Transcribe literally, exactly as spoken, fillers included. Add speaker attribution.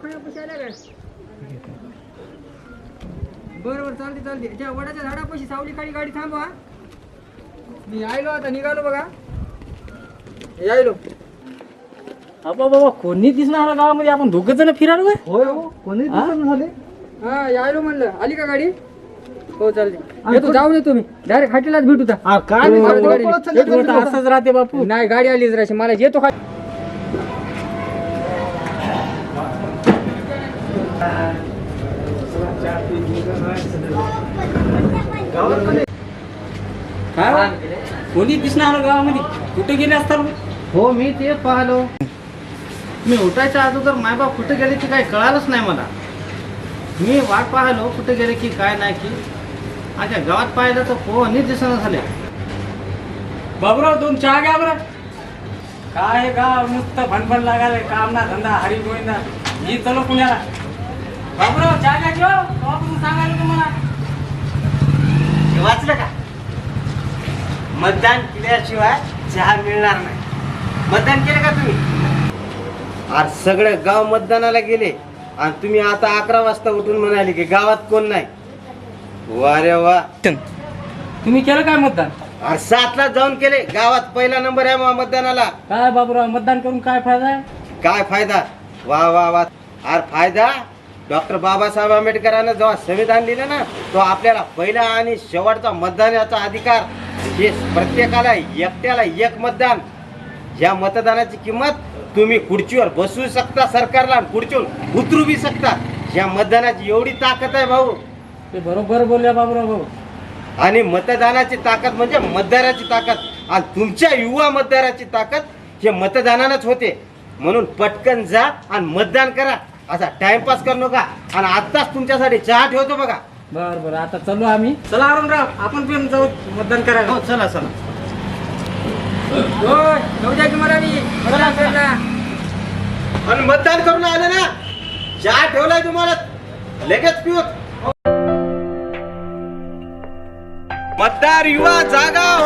Speaker 1: दवाखान्यापाशी आल्या काय? बरं बरं चालते चालते. त्या वडाच्या झाडापाशी सावली खाली गाडी थांबवा. मी आयलो आता निघालो बघा. यायलो.
Speaker 2: बाबा बाबा कोणी दिसणार गावामध्ये आपण दोघ जण फिरायला
Speaker 1: होय हो कोणी झाले. हा यायलो म्हणलं. आली का गाडी? हो चालते. येतो जाऊ नये तुम्ही डायरेक्ट खाटीलाच भेटू ता.
Speaker 2: असंच राहते बापू.
Speaker 1: नाही गाडी आली जराशी मला येतो खाली.
Speaker 2: काय कोणी दिसणार गावामध्ये कुठे गेले असतात?
Speaker 3: हो मी ते पाहिलो. मी उठायच्या अगोदर मायबाप कुठे गेले की काय कळालंच नाही मला. मी वाट पाहिलो कुठे गेले की काय नाही की आता गावात पाहिलं तर कोणी दिसणं झाले.
Speaker 2: बाबूराव दोन चहा घ्या बरं. काय गाव नुसतं भणभण लागायला काम ना धंदा हरी गोविंदा ही चलो पुण्याला. बाबूराव चहा घ्या किंवा बाबून सांगायला तुम्हाला
Speaker 4: वाचलं का? मतदान केल्याशिवाय चहा मिळणार नाही. मतदान केलं का तुम्ही? आज सगळे गाव मतदानाला गेले आणि तुम्ही आता अकरा वाजता उठून म्हणाले की गावात कोण नाही. वा रे वा.
Speaker 2: तुम्ही केलं काय मतदान?
Speaker 4: अरे सातला जाऊन केले. गावात पहिला नंबर आहे मग मतदानाला.
Speaker 2: काय बाबूराव मतदान करून काय फायदा आहे?
Speaker 4: काय फायदा? वा वा वा. अरे फायदा डॉक्टर बाबासाहेब आंबेडकरांना जेव्हा संविधान लिहिलं ना तो आपल्याला पहिला आणि शेवटचा मतदानाचा अधिकार हे प्रत्येकाला एकट्याला एक मतदान. या मतदानाची किंमत तुम्ही खुर्चीवर बसवू शकता सरकारला आणि खुर्चीवर उतरू बी शकता. या मतदानाची एवढी ताकद आहे भाऊ.
Speaker 2: ते बरोबर बोलल्या बाबूराव भाऊ.
Speaker 4: आणि मतदानाची ताकद म्हणजे मतदाराची ताकद आणि तुमच्या युवा मतदाराची ताकद हे मतदानानंच होते. म्हणून पटकन जा आणि मतदान करा. असा टाइमपास करू नका. आणि आत्ताच तुमच्यासाठी चहा ठेवतो बघा.
Speaker 2: बर बर आता चलो आम्ही. चला आरामराव आपण पण जाऊ मतदान करायला.
Speaker 3: हो चला चला.
Speaker 1: होय जाऊ द्या की मला मी. मला फिरला.
Speaker 4: आणि मतदान करून आले ना चहा ठेवलाय तुम्हाला लगेच पिऊत. मतदार युवा जागा